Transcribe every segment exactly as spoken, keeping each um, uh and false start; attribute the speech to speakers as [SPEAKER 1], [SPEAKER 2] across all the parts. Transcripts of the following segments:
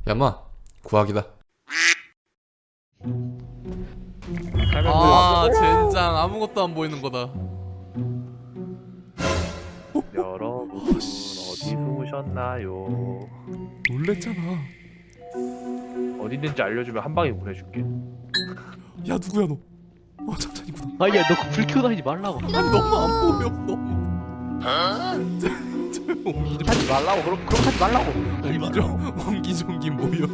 [SPEAKER 1] 야마 구하기다.
[SPEAKER 2] 아 젠장 아무것도 안 보이는 거다.
[SPEAKER 3] 여러분 어디 숨으셨나요?
[SPEAKER 2] 놀랬잖아.
[SPEAKER 3] 어디 있는지 알려주면 한 방에 보내줄게.
[SPEAKER 2] 야 누구야 너? 어 잠깐이구나.
[SPEAKER 4] 아야 너 그 불 켜고 다니지 말라고.
[SPEAKER 2] 아니 너무 안 보여 너무. 옹기 좀
[SPEAKER 4] 하지 말라고. 그럼 그럼 하지 말라고.
[SPEAKER 2] 옹기 좀 옹기 종기 모여.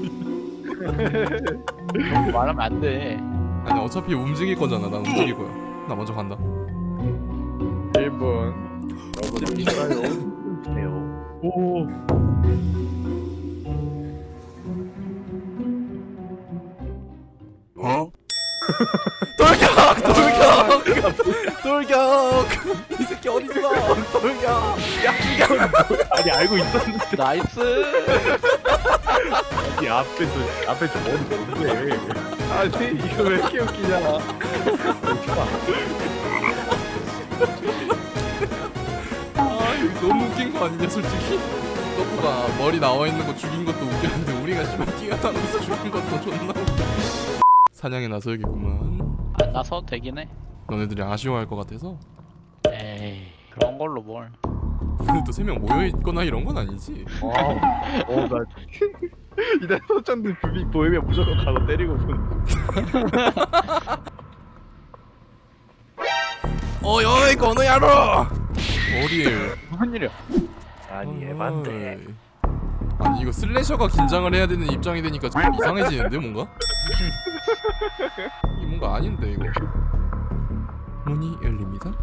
[SPEAKER 4] 그럼 말하면 안 돼.
[SPEAKER 2] 아니 어차피 움직일 거잖아. 난 움직일 거야. 나 먼저 간다.
[SPEAKER 3] 일 분. 여러분 어디 있나요? 주세요. 오.
[SPEAKER 1] 어?
[SPEAKER 2] 돌격! 돌격! 돌격! 이 새끼 어딨어? 돌격! 야 죽여!
[SPEAKER 3] 아니 알고 있었는데
[SPEAKER 4] 나이스.
[SPEAKER 3] 이 앞에서 앞에 좀 머리 뭔데? 아니 이거 왜 이렇게 웃기냐?
[SPEAKER 2] 아 이거 너무 웃긴 거 아니냐 솔직히? 너프가 머리 나와 있는 거 죽인 것도 웃겼는데 우리가 씨발 뛰어다니면서 죽인 것도 존나 웃겨. 사냥에 나서야겠구만.
[SPEAKER 4] 아, 나서도 되긴 해.
[SPEAKER 2] 너네들이 아쉬워할 것 같아서.
[SPEAKER 4] 에이 그런 걸로 뭘.
[SPEAKER 2] 근데 또 세 명 모여 있거나 이런 건 아니지.
[SPEAKER 3] 어나 이날 소전들 불빛 보이면 무조건 가서 때리고 보는.
[SPEAKER 2] 어이 어이 건우야로. 어디에?
[SPEAKER 4] 무슨 일이야?
[SPEAKER 3] 아니 에반데.
[SPEAKER 2] 어이. 아니 이거 슬래셔가 긴장을 해야 되는 입장이 되니까 좀 이상해지는데 뭔가? 이 뭔가 아닌데 이거. 문이 열립니다.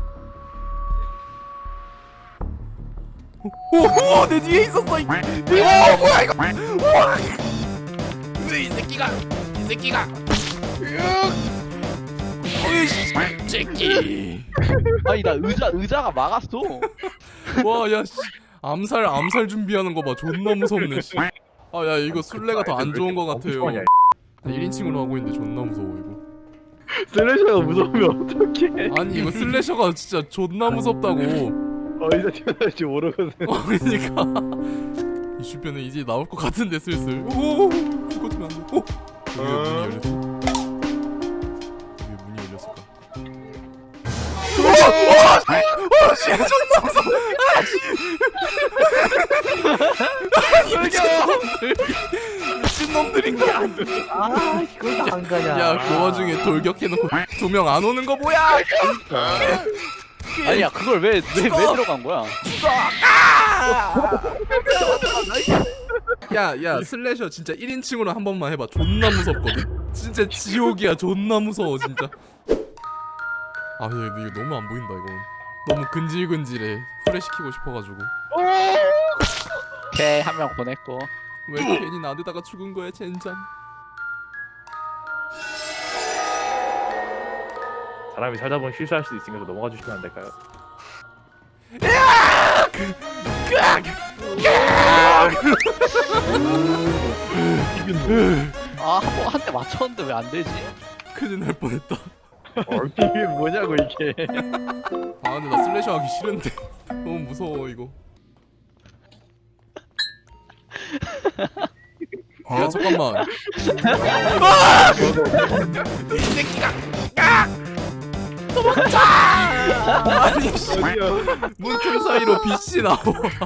[SPEAKER 2] 오, 오, 내 뒤에 있었어. 이, 오, 뭐야 이거? 우와, 이 새끼가, 이 새끼가. 어이씨, 새끼.
[SPEAKER 4] 아니 나 의자 의자가 막았어.
[SPEAKER 2] 와, 야, 씨, 암살, 암살 준비하는 거 봐. 존나 무섭네. 씨. 아, 야, 이거 술래가 더 안 좋은 거 같아요. 일 인칭으로 하고 있는데 존나 무서워 이거.
[SPEAKER 3] 슬래셔가 무서우면 어떡해?
[SPEAKER 2] 아니 이거 슬래셔가 진짜 존나 무섭다고.
[SPEAKER 3] 어디서 튀어나올지 모르거든.
[SPEAKER 2] 어, 그러니까 이 주변에 이제 나올 것 같은데 슬슬. 오, 죽어주면 안 돼. 오, 여기 왜 문이 열렸어? 여기 왜 문이 열렸을까? 오, 오, 오, 씨, 존나 무서워. 아, 미친 놈들인가?
[SPEAKER 3] 아 이걸 안 가냐?
[SPEAKER 2] 야, 그 와중에 돌격해놓고 두 명 안 오는 거 뭐야?
[SPEAKER 4] 아니야 그걸 왜 왜 왜 들어간 거야?
[SPEAKER 2] 야, 야, 슬래셔 진짜 일 인칭으로 한 번만 해봐. 존나 무섭거든. 진짜 지옥이야. 존나 무서워 진짜. 아, 근데 이거 너무 안 보인다 이건. 너무 근질근질해. 후레시키고 싶어가지고.
[SPEAKER 4] 오케이 한 명 보냈고.
[SPEAKER 2] 왜 괜히 나대다가 죽은 거야, 젠장.
[SPEAKER 3] 사람이 살다 보면 실수할 수도 있으니까 넘어가 주시면 안 될까요?
[SPEAKER 4] 아한 대 맞췄는데 왜 안 되지?
[SPEAKER 2] 큰일 날 뻔했다.
[SPEAKER 3] 어, 이게 뭐냐고 이게.
[SPEAKER 2] 아, 근데 나 슬래셔 하기 싫은데. 너무 무서워 이거. 야, 잠깐만. 이 새끼가. 도망쳐! 아니 씨.
[SPEAKER 3] 어디야?
[SPEAKER 2] 문틈 사이로 빛이 나와.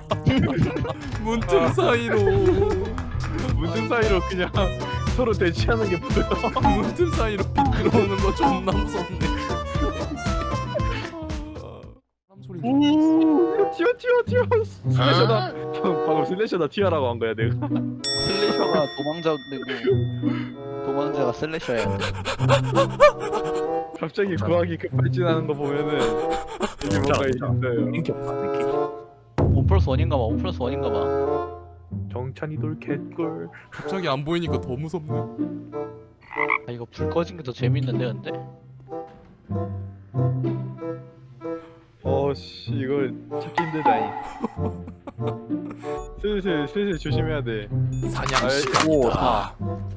[SPEAKER 2] 문틈 사이로.
[SPEAKER 3] 문틈 사이로 그냥 서로 대치하는 게 보여.
[SPEAKER 2] 문틈 사이로 빛 들어오는 거 존나 무섭네. 사람 소리.
[SPEAKER 3] 오, 튀어 튀어 튀어. 슬래셔다. 방금, 방금 슬래셔다 튀어라고 한 거야 내가.
[SPEAKER 4] 슬래셔가 도망자되고 도망자가 슬래셔야.
[SPEAKER 3] 갑자기 구하기 급발진하는 거 보면은 이게 뭔가 있어요.
[SPEAKER 4] 원 플러스 원인가 봐. 원 플러스 원인가 봐.
[SPEAKER 3] 정찬이 돌 캣골.
[SPEAKER 2] 갑자기 안 보이니까 더 무섭네.
[SPEAKER 4] 아 이거 불 꺼진 게 더 재밌는데 근데.
[SPEAKER 3] 어씨 이걸 찾기 힘들다니. 슬슬 슬슬 조심해야 돼.
[SPEAKER 2] 사냥
[SPEAKER 3] 아이,
[SPEAKER 2] 시간이다.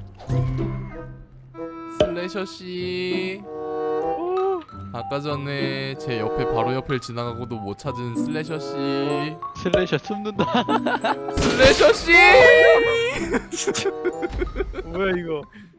[SPEAKER 2] 슬래셔 씨. 아까 전에 제 옆에 바로 옆을 지나가고도 못 찾은 슬래셔 씨.
[SPEAKER 4] 슬래셔 숨는다.
[SPEAKER 2] 슬래셔 씨.
[SPEAKER 3] 뭐야 이거?